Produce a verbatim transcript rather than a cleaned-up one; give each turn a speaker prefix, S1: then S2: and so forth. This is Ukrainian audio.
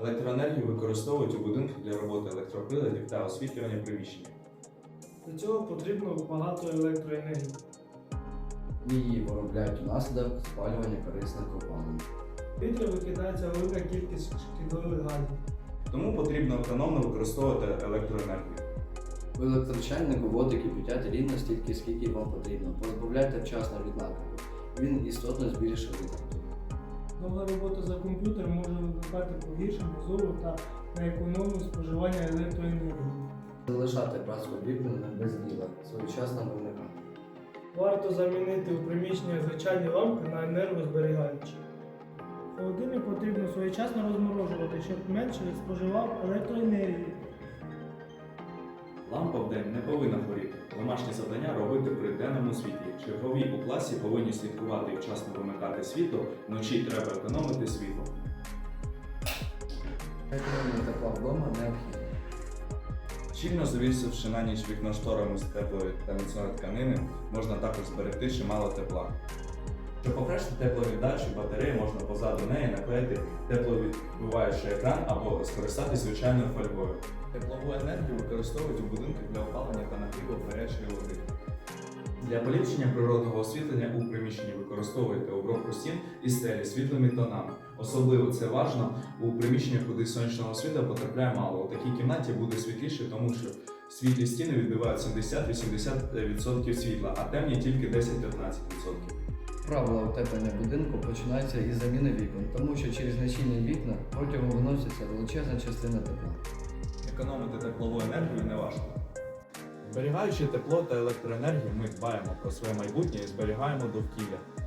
S1: Електроенергію використовують у будинках для роботи електроприладів та освітлювання приміщення.
S2: Для цього потрібно багато електроенергії.
S3: Її виробляють внаслідок спалювання корисних копалин.
S2: В повітря викидається велика кількість шкідливих газів.
S1: Тому потрібно економно використовувати електроенергію.
S3: У електрочайнику воду кипятять рівно стільки, скільки вам потрібно. Позбавляйте вчасно від накипу. Він істотно збільшує витрату.
S2: Довга робота за комп'ютером може викликати погіршення зору та неекономне споживання електроенергії.
S3: Залишати працю об'єктами без діла, своєчасно вимикати.
S2: Варто замінити у приміщенні звичайні лампи на енергозберігаючі. Холодильник потрібно своєчасно розморожувати, щоб менше споживав електроенергії.
S1: Лампа в день не повинна горіти. Домашні завдання робити при денному світлі. Чергові у класі повинні слідкувати і вчасно вимикати світло, вночі треба економити світло.
S3: Економія тепла вдома необхідна.
S1: Щільно завісивши на ніч вікно шторами з теплої та міцної тканини, можна також зберегти чимало тепла. Щоб покращити тепловіддачу батареї, можна позаду неї наклеїти тепловідбиваючий екран або скористатись звичайною фольгою. Теплову енергію використовують у будинках для опалення та нагріву гарячої води. Для поліпшення природного освітлення у приміщенні використовуйте обробку стін і стелі світлими тонами. Особливо це важливо у приміщеннях, куди сонячного світла потрапляє мало. У такій кімнаті буде світліше, тому що світлі стіни відбивають сімдесят-вісімдесят відсотків світла, а темні тільки десять-п'ятнадцять відсотків.
S3: Правила утеплення будинку починаються із заміни вікон, тому що через нечільні вікна протягом виноситься величезна частина тепла.
S1: Економити теплову енергію не важко. Зберігаючи тепло та електроенергію, ми дбаємо про своє майбутнє і зберігаємо довкілля.